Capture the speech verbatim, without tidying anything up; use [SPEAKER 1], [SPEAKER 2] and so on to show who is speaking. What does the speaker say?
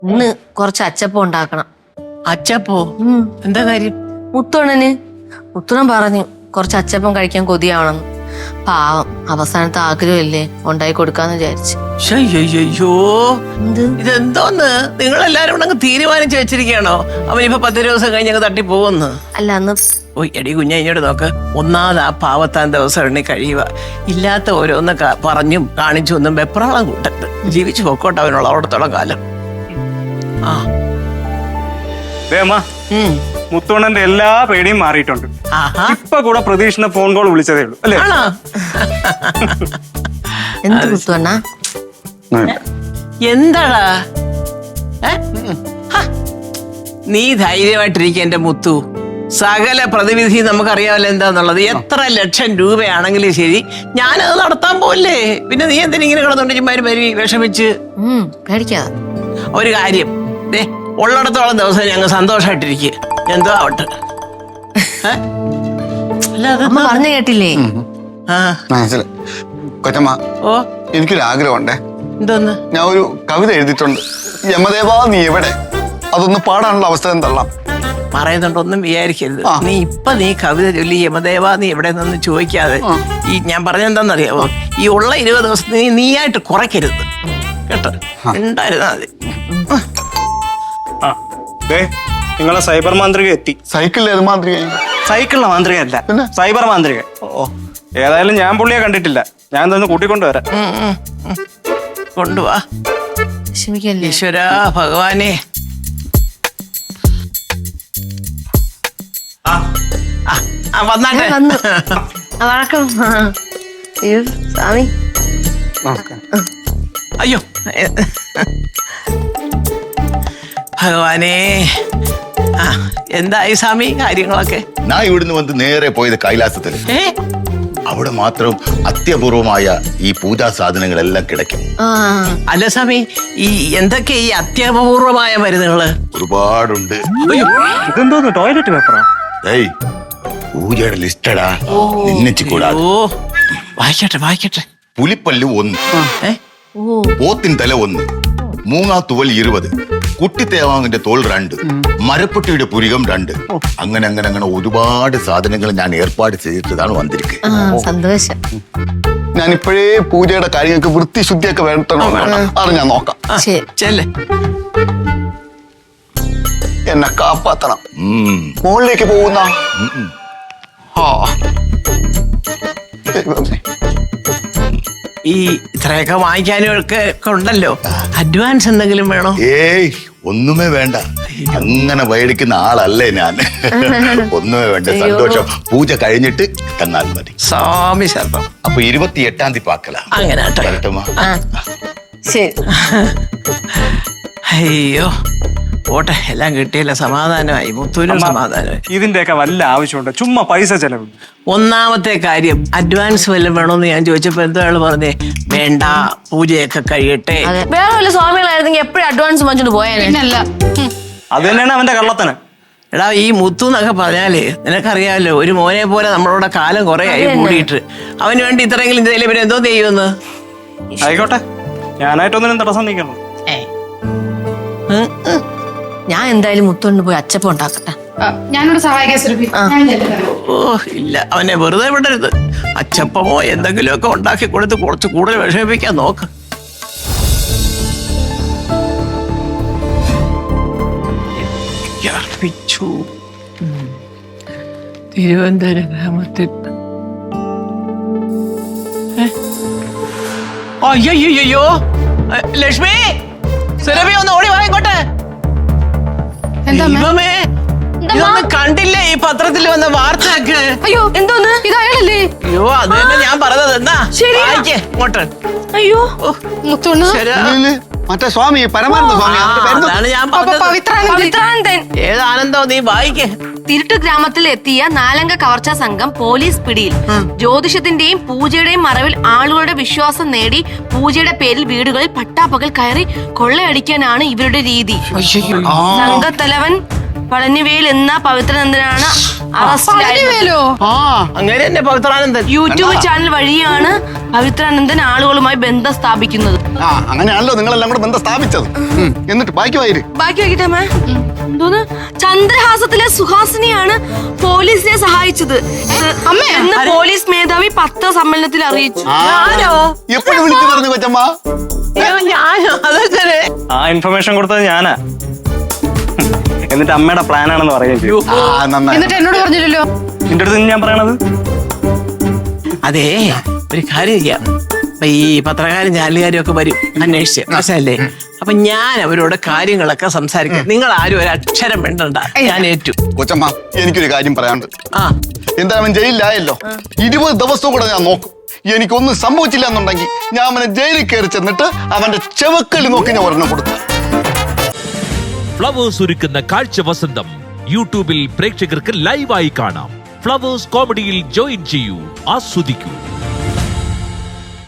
[SPEAKER 1] ഇന്ന് കുറച്ച് അച്ചപ്പം ഉണ്ടാക്കണം.
[SPEAKER 2] അച്ചപ്പോ? എന്താ കാര്യം?
[SPEAKER 1] മുത്തോണന് മുത്തോണൻ പറഞ്ഞു കുറച്ച് അച്ചപ്പം കഴിക്കാൻ കൊതിയാവണമെന്ന്. പാവം അവസാനത്തെ ആഗ്രഹമില്ലേ, ഉണ്ടായി കൊടുക്കാന്ന് വിചാരിച്ചു.
[SPEAKER 2] അയ്യോ, ഇതെന്തോന്ന് നിങ്ങളെല്ലാരും കൂടെ അങ്ങ് തീരുമാനിച്ചു വെച്ചിരിക്കണോ? അവനിപ്പോ പത്ത് ദിവസം കഴിഞ്ഞ് അങ്ങ് തട്ടി പോകുന്നു.
[SPEAKER 1] അല്ല അന്ന്
[SPEAKER 2] ഓ എടി കുഞ്ഞ ഇങ്ങോട്ട് നോക്ക്. ഒന്നാമത് ആ പാവത്താൻ ദിവസം എണ്ണി കഴിയുക. ഇല്ലാത്ത ഓരോന്ന് പറഞ്ഞും കാണിച്ചു ഒന്നും വെപ്രാളം കൂട്ടരുത്. ജീവിച്ചു പൊക്കോട്ടെ അവനുള്ള അവിടത്തോളം കാലം. ആ
[SPEAKER 3] മുത്തോണന്റെ എല്ലാ പേടിയും മാറിയിട്ടുണ്ട്. ഇപ്പൊ കൂടെ പ്രതീക്ഷിക്കുന്ന ഫോൺ കോൾ വിളിച്ചതേ ഉള്ളൂ അല്ലേ?
[SPEAKER 1] എന്ത് മുത്തോണ്ണ?
[SPEAKER 2] എന്താടാ നീ ധൈര്യമായിട്ടിരിക്കുക എന്റെ മുത്തു. സകല പ്രതിവിധി നമുക്കറിയാമല്ലോ എന്താന്നുള്ളത്. എത്ര ലക്ഷം രൂപയാണെങ്കിലും ശരി ഞാനത് നടത്താൻ പോലേ. പിന്നെ നീ എന്തിനിങ്ങനെ കിടന്നുകൊണ്ട് ചുമ്മാര് പരി വിഷമിച്ച്
[SPEAKER 1] പേടിക്കാതെ.
[SPEAKER 2] ഒരു കാര്യം, ദേ ഉള്ളിടത്തോളം ദിവസം ഞങ്ങൾ സന്തോഷമായിട്ടിരിക്കുക. എന്തോ ആവട്ടെ.
[SPEAKER 1] പറഞ്ഞു കേട്ടില്ലേ?
[SPEAKER 4] കൊച്ചമ്മ,
[SPEAKER 2] ഓ
[SPEAKER 4] എനിക്കൊരു ആഗ്രഹമുണ്ടേ.
[SPEAKER 2] എന്തോന്ന്?
[SPEAKER 4] ഞാൻ ഒരു കവിത എഴുതിയിട്ടുണ്ട്. യമദേവാ നീ എവിടെ, അതൊന്ന് പാടാനുള്ള അവസരം തള്ളാം.
[SPEAKER 2] പറയുന്നുണ്ടൊന്നും വിചാരിക്കരുത്. നീ ഇപ്പൊ നീ കവിത ചൊല്ലി യമദേവ നീ എവിടെ നിന്ന് ചോദിക്കാതെ ഈ ഞാൻ പറഞ്ഞെന്താന്നറിയാമോ, ഈ ഉള്ള ഇരുപത് ദിവസം നീ നീയായിട്ട് കുറയ്ക്കരുത് കേട്ടോ. ഉണ്ടായിരുന്നാ മതി.
[SPEAKER 3] നിങ്ങളെ സൈബർ മാന്ത്രിക എത്തി.
[SPEAKER 4] സൈക്കിളിൽ ഏത് മാന്ത്രിക?
[SPEAKER 3] സൈക്കിളിലെ മാന്ത്രിക അല്ല, സൈബർ മാന്ത്രിക. ഓ ഏതായാലും ഞാൻ പുള്ളിയെ കണ്ടിട്ടില്ല. ഞാൻ തന്നെ കൂട്ടിക്കൊണ്ടുവരാം.
[SPEAKER 2] കൊണ്ടുവാ. ഈശ്വരാ ഭഗവാനെ. വന്നാട്ടെ.
[SPEAKER 1] വണക്കം. അയ്യോ സ്വാമി.
[SPEAKER 2] അയ്യോ ഭഗവാനേ. ആ എന്തായി സ്വാമി കാര്യങ്ങളൊക്കെ?
[SPEAKER 5] ഞാൻ ഇവിടുന്ന് വന്ന് നേരെ പോയത് കൈലാസത്തിൽ. അവിടെ മാത്രം അത്യപൂർവമായ ഈ പൂജാ സാധനങ്ങളെല്ലാം കിടക്കും.
[SPEAKER 2] അല്ല സ്വാമി, ഈ എന്തൊക്കെ ഈ അത്യപൂർവമായ മരുന്നുകള്?
[SPEAKER 5] ഒരുപാടുണ്ട്.
[SPEAKER 3] ഇതെന്തോന്ന് ടോയ്ലറ്റ് പേപ്പറാ?
[SPEAKER 5] ഏയ് പൂജയുടെ ലിസ്റ്റടാ, നിന്നിച്ചു കൂടാതെ.
[SPEAKER 2] ഓ വായിക്കട്ടെ വായിക്കട്ടെ.
[SPEAKER 5] പുലിപ്പല്ല് ഒന്ന്, പോത്തിൻ തല ഒന്ന്, മൂങ്ങാത്തുവൽ ഇരുപത്, കുട്ടിത്തേവാങ്ങിന്റെ തോൾ രണ്ട്, മരപ്പൊട്ടിയുടെ പുരികം രണ്ട്. അങ്ങനെ അങ്ങനെ അങ്ങനെ ഒരുപാട് സാധനങ്ങൾ ഞാൻ ഏർപ്പാട് ചെയ്തിട്ടതാണ് വന്നിരിക്കുന്നത്.
[SPEAKER 1] സന്തോഷം.
[SPEAKER 4] ഞാൻ ഇപ്പോഴേ പൂജയുടെ കാര്യങ്ങൾക്ക് വൃത്തി ശുദ്ധിയൊക്കെ വേണ്ടോ അത് ഞാൻ നോക്കാം.
[SPEAKER 2] ചെല്ല്.
[SPEAKER 4] എന്നെ കാപ്പാത്തണം. മുകളിലേക്ക് പോകുന്ന
[SPEAKER 2] ഈ ഇത്രയൊക്കെ വാങ്ങിക്കാനും ഒക്കെ ഉണ്ടല്ലോ. അഡ്വാൻസ് എന്തെങ്കിലും വേണോ?
[SPEAKER 5] ഏയ് ഒന്നുമേ വേണ്ട. അങ്ങനെ മേടിക്കുന്ന ആളല്ലേ ഞാൻ. ഒന്നുമേ വേണ്ട. സന്തോഷം. പൂജ കഴിഞ്ഞിട്ട് തന്നാൽ മതി.
[SPEAKER 2] സ്വാമി ശരണം.
[SPEAKER 5] അപ്പൊ ഇരുപത്തി എട്ടാം തീയതി പാക്കല.
[SPEAKER 2] അങ്ങനെ
[SPEAKER 5] വരട്ടുമാ.
[SPEAKER 1] ശരി.
[SPEAKER 2] അയ്യോ ഓട്ടെ, എല്ലാം കിട്ടിയല്ല. സമാധാനമായി. മുത്തൂരും സമാധാനമായി.
[SPEAKER 3] ഇതിന്റെയൊക്കെ വല്ല ആവശ്യമുണ്ട്? ചുമ്മാ പൈസ ചെലവ്.
[SPEAKER 2] ഒന്നാമത്തെ കാര്യം അഡ്വാൻസ് വല്ലതും വേണമെന്ന് ഞാൻ ചോദിച്ചപ്പോ എന്തോ ആള് പറഞ്ഞേ, വേണ്ട പൂജയൊക്കെ കഴിയട്ടെ.
[SPEAKER 1] വേറെ വല്ല സ്വാമികളായിരുന്നെങ്കിൽ എപ്പോഴും അഡ്വാൻസ് വാങ്ങിച്ചോണ്ട് പോയാലല്ല.
[SPEAKER 3] അത് തന്നെയാണ് അവന്റെ കള്ളത്തന്.
[SPEAKER 2] എടാ ഈ മുത്തു എന്നൊക്കെ പറഞ്ഞാലേ നിനക്കറിയാമല്ലോ, ഒരു മോനെ പോലെ നമ്മളോട് കാലം കുറെ ആയി കൂടിയിട്ട്. അവന് വേണ്ടി ഇത്രയെങ്കിലും ചെയ്തില്ലേ പിന്നെ എന്തോ ചെയ്യുമെന്ന്.
[SPEAKER 3] ആയിക്കോട്ടെ, ഞാനായിട്ടൊന്നിനും തടസ്സം നീക്കണം.
[SPEAKER 1] ഞാൻ എന്തായാലും മുത്തോണ്ട് പോയി അച്ചപ്പം ഉണ്ടാക്കട്ടെ.
[SPEAKER 6] ഞാനോട് സഹായിക്കാൻ.
[SPEAKER 2] ഓ ഇല്ല, അവനെ വെറുതെ വിടരുത്. അച്ചപ്പമോ എന്തെങ്കിലുമൊക്കെ ഉണ്ടാക്കി കൊടുത്ത് കുറച്ച് കൂടുതൽ വിഷമിപ്പിക്കാൻ നോക്ക്. തിരുവനന്തപുരം ഗ്രാമത്തിൽ അയ്യോ ലക്ഷ്മി, സുരഭി ഒന്ന് ഓടി വായിക്കോട്ടെ. ദൈവമേ, ഇതൊന്നും കണ്ടില്ലേ ഈ പത്രത്തിൽ വന്ന വാർത്തയൊക്കെ?
[SPEAKER 6] അയ്യോ എന്തോന്ന് ഇതായാലല്ലേ?
[SPEAKER 2] അയ്യോ അത് തന്നെ ഞാൻ പറഞ്ഞത്. എന്നാ വായിക്കേ ഇങ്ങോട്ട്.
[SPEAKER 1] അയ്യോ
[SPEAKER 6] മുത്തോണ്ണ,
[SPEAKER 4] മറ്റേ സ്വാമി പരമാനന്ദ സ്വാമി.
[SPEAKER 2] അതാണ് ഞാൻ
[SPEAKER 6] പവിത്രാനന്ദൻ.
[SPEAKER 2] ഏതാനന്ദോ നീ വായിക്കേ.
[SPEAKER 1] തിരുട്ട് ഗ്രാമത്തിൽ എത്തിയ നാലംഗ കവർച്ചാ സംഘം പോലീസ് പിടിയിൽ. ജ്യോതിഷത്തിന്റെയും പൂജയുടെയും മറവിൽ ആളുകളുടെ വിശ്വാസം നേടി പൂജയുടെ പേരിൽ വീടുകളിൽ പട്ടാപ്പകൽ കയറി കൊള്ളയടിക്കാനാണ് ഇവരുടെ രീതി. സംഘത്തലവൻ പളനിവേൽ എന്ന പവിത്രാനന്ദനാണ് അറസ്റ്റിലായത്.
[SPEAKER 2] അങ്ങനെ തന്നെ പവിത്രാനന്ദൻ
[SPEAKER 1] യൂട്യൂബ് ചാനൽ വഴിയാണ് പവിത്രാനന്ദൻ ആളുകളുമായി ബന്ധം സ്ഥാപിക്കുന്നത്.
[SPEAKER 4] ആ അങ്ങനെയാണല്ലോ നിങ്ങളെല്ലാം കൂടെ ബന്ധം സ്ഥാപിച്ചത്. ഉം, എന്നിട്ട് ബാക്കി വായിര്.
[SPEAKER 1] ബാക്കി വയ്ക്കട്ടെ അമ്മേ. എന്തോന്ന് ചന്ദ്രഹാസത്തിലെ സുഹാസിനിയാണ് പോലീസിനെ സഹായിച്ചത്
[SPEAKER 6] അമ്മേ,
[SPEAKER 1] എന്ന് പോലീസ് മേധാവി പത്രസമ്മേളനത്തിൽ അറിയിച്ചു.
[SPEAKER 2] ഞാനോ
[SPEAKER 4] എപ്പോഴും വിളിച്ചു പറഞ്ഞു കൊച്ചമ്മ.
[SPEAKER 2] അയ്യോ, ഞാനോ അതെങ്ങനെ?
[SPEAKER 3] ആ ഇൻഫർമേഷൻ കൊടുത്തത് ഞാനാ. എന്നിട്ട് അമ്മയുടെ പ്ലാൻ ആണെന്ന് പറയുകയും ചെയ്തു.
[SPEAKER 4] ആ നന്നായി.
[SPEAKER 6] എന്നിട്ട് എന്നോട് പറഞ്ഞില്ലല്ലോ.
[SPEAKER 3] നിന്റെ അടുത്ത് ഞാൻ പറയണത്
[SPEAKER 2] അതെ, ഒരു കാര്യം ചെയ്യാം. അപ്പൊ ഈ പത്രക്കാരും ചാനലുകാരും ഒക്കെ വരും അന്വേഷിച്ച്, മനസ്സിലല്ലേ? അപ്പൊ ഞാൻ അവരോട് കാര്യങ്ങളൊക്കെ സംസാരിക്കാം. നിങ്ങൾ ആരും ഒരു അക്ഷരം വേണ്ടണ്ട, ഞാൻ ഏറ്റു.
[SPEAKER 4] കൊച്ചമ്മ എനിക്കൊരു കാര്യം പറയാനുണ്ട്.
[SPEAKER 2] ആ
[SPEAKER 4] എന്താ അവൻ ജയിലിലായല്ലോ, ഇരുപത് ദിവസവും കൂടെ ഞാൻ നോക്കും. എനിക്കൊന്നും സംഭവിച്ചില്ല എന്നുണ്ടെങ്കിൽ ഞാൻ അവനെ ജയിലിൽ കയറി ചെന്നിട്ട് അവന്റെ ചെവക്കല് നോക്കി ഞാൻ ഒരെണ്ണം കൊടുത്തു.
[SPEAKER 7] ഫ്ലവേഴ്സ് ഒരുക്കുന്ന കാഴ്ച വസന്തം യൂട്യൂബിൽ പ്രേക്ഷകർക്ക് ലൈവായി കാണാം. ഫ്ലവേഴ്സ് കോമഡിയിൽ ജോയിൻ ചെയ്യൂ, ആസ്വദിക്കൂ.